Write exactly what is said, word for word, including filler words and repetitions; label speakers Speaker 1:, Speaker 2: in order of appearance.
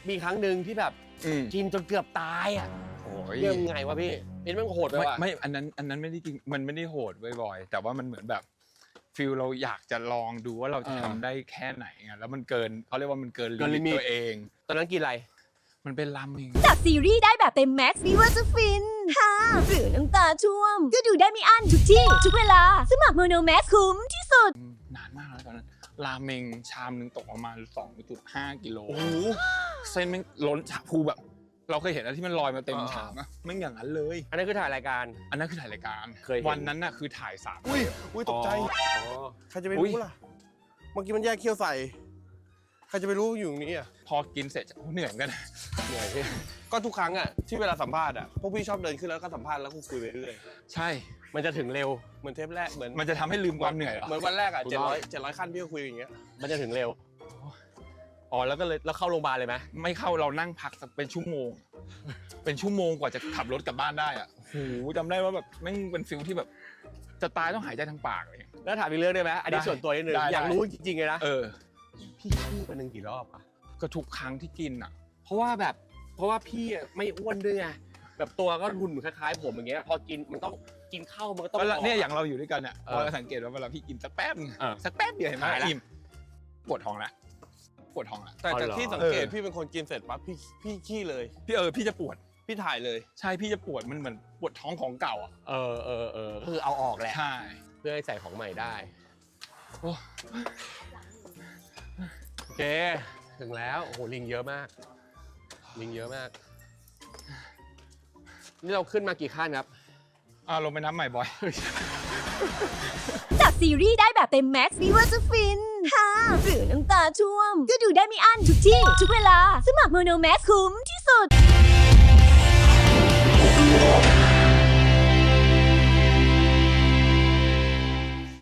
Speaker 1: มีครั้งหนึ่งที่แบบ
Speaker 2: อืม
Speaker 1: กินจนเกือบตายอ่ะ
Speaker 2: โอ้ย
Speaker 1: เรื่องไงวะพี่เป็นมันโหดไป
Speaker 2: ไม่
Speaker 1: ว่ะ
Speaker 2: ไม่อันนั้นอันนั้นไม่ได้จริงมันไม่ได้โหดบ่อยๆแต่ว่ามันเหมือนแบบฟิลเราอยากจะลองดูว่าเราจะทำได้แค่ไหนไงแล้วมันเกินเขาเรียกว่ามันเกินลิมิตตัวเอง
Speaker 1: ตอนนั้นกินอะไร
Speaker 2: มันเป็นราเมง
Speaker 3: จากซีรีส์ได้แบบเต็มแม็กซ์ไม่ว่าจะฟินฮ่าหรือน้ำตาช่วม ก็ดูได้ไม่อั้นทุกที่ ทุกเวลา สมัครโมโนแม็กคุ้มที่สุด
Speaker 2: นานมากแล้วตอนนั้นราเมงชามหนึงตกประมาณ สองจุดห้า กิโล
Speaker 1: โอ้โห
Speaker 2: เส้นแม่งล้นชาพูแบบ เราเคยเห็นอะไรที่มันลอยมาเต็ม
Speaker 1: อ่า
Speaker 2: ชามนะแม่งอย่างนั้นเลย
Speaker 1: อันนั้นคือถ่ายรายการ
Speaker 2: อันนั้นคือถ่ายรายการ
Speaker 1: เคยเห็น
Speaker 2: วันนั้นน่ะคือถ่ายสาม
Speaker 4: อุ้ยอุ้ยตกใจ
Speaker 1: อ๋อ
Speaker 4: ใครจะไป
Speaker 2: อุ๊
Speaker 4: รู้
Speaker 2: ย
Speaker 4: ล่ะ เมื่อกี้มันแยกเคี้ยวใส่ ใครจะไปรู้อยู่ตรงนี้อ่ะ
Speaker 2: พอกินเสร็จโอ้เหนื่อยเหมือนกัน
Speaker 1: เหนื่อยพี่
Speaker 4: ก็ทุกครั้งอ่ะที่เวลาสัมภาษณ์อ่ะ พวกพี่ชอบเดินขึ้นแล้วก็สัมภาษณ์แล้วก็คุยไปเรื่อย
Speaker 2: ใช่
Speaker 1: มันจะถึงเร็ว
Speaker 4: เหมือนเทปแรก เหมือน
Speaker 2: มันจะทำให้ลืมความเหนื่อยเหรอ
Speaker 4: เหมือนวันแรกอ่ะ
Speaker 1: ถูก
Speaker 4: เจ็ด
Speaker 1: ต้อง
Speaker 4: ร้อยเจ็ดร้อยขั้นพี่ก็คุยอย่างเงี้ย
Speaker 1: มันจะถึงเร็วอ๋อแล้วก็เลยแล้วเข้าโรงพยาบาลเลยไหม
Speaker 2: ไม่เข้าเรานั่งพักสักเป็นชั่วโมง เป็นชั่วโมงกว่าจะขับรถกลับบ้านได้อ่ะโอ้โหจำได้ว่าแบบแม่งเป็นฟิลที่แบบ จะตายต้องหายใจทางปากเลย
Speaker 1: แล้วถามอีกเรื่องได้ไหมอันนี้
Speaker 2: ได้
Speaker 1: ส่วนตัวนิดนึง
Speaker 2: ได้
Speaker 1: อยาก
Speaker 2: ได้
Speaker 1: รู้จริงๆเลยนะ
Speaker 2: เออ
Speaker 1: พี่ขี้วันหนึ่งกี่รอบอะ
Speaker 2: ก็ทุกครั้งที่กินอ่ะ
Speaker 1: เพราะว่าแบบเพราะว่าพี่อะไม่อ้วนด้วยไงแบบตัวก็หุ่นคล้ายๆผมอย่างเงี้ยพอกินมันต้องกินข้าวมันก็ต้อง
Speaker 2: เวลาเนี่ย
Speaker 1: ก
Speaker 2: อย่างเราอยู่ด้วยกันเนี่ย
Speaker 1: เออ
Speaker 2: พอเราสังเกตว่าเวลาพี่กินสักแป๊บนึง
Speaker 1: เออ
Speaker 2: สักแป๊บเดียวเห็นไหม
Speaker 1: หายละ
Speaker 2: อิ่มปวดท้องละปวดท้องละ
Speaker 4: แต่
Speaker 1: อ๋อ
Speaker 4: จาก
Speaker 1: เหรอ
Speaker 4: ที่สังเกต
Speaker 2: เออ
Speaker 4: พี่เป็นคนกินเสร็จปั๊บพี่พี่ขี้เลย
Speaker 2: พี่เออพี่จะปวด
Speaker 4: พี่ถ่ายเลย
Speaker 2: ใช่พี่จะปวดมันเหมือนปวดท้องของเก่าอ่ะ
Speaker 1: เออเออเออคือเอาออกแหละ
Speaker 2: ใช่
Speaker 1: เพื่อให้ใส่ของใหม่ได้
Speaker 2: โอ้
Speaker 1: โอเคถึงแล้วโอ้โหลิงเยอะมาก ลิงเยอะมาก นี่เราขึ้นมากี่ขั้นครับ
Speaker 2: อ่าลงไปน้ำใหม่บอย
Speaker 3: จากซีรีส์ได้แบบเต็มแม็กซ์ไม่ว่าจะฟินฮ่าหรือน้ำตาช่วม ก็ดูได้ไม่อั้นทุกที่ ทุกเวลา สมัครโมโนแม็กคุ้มที่สุด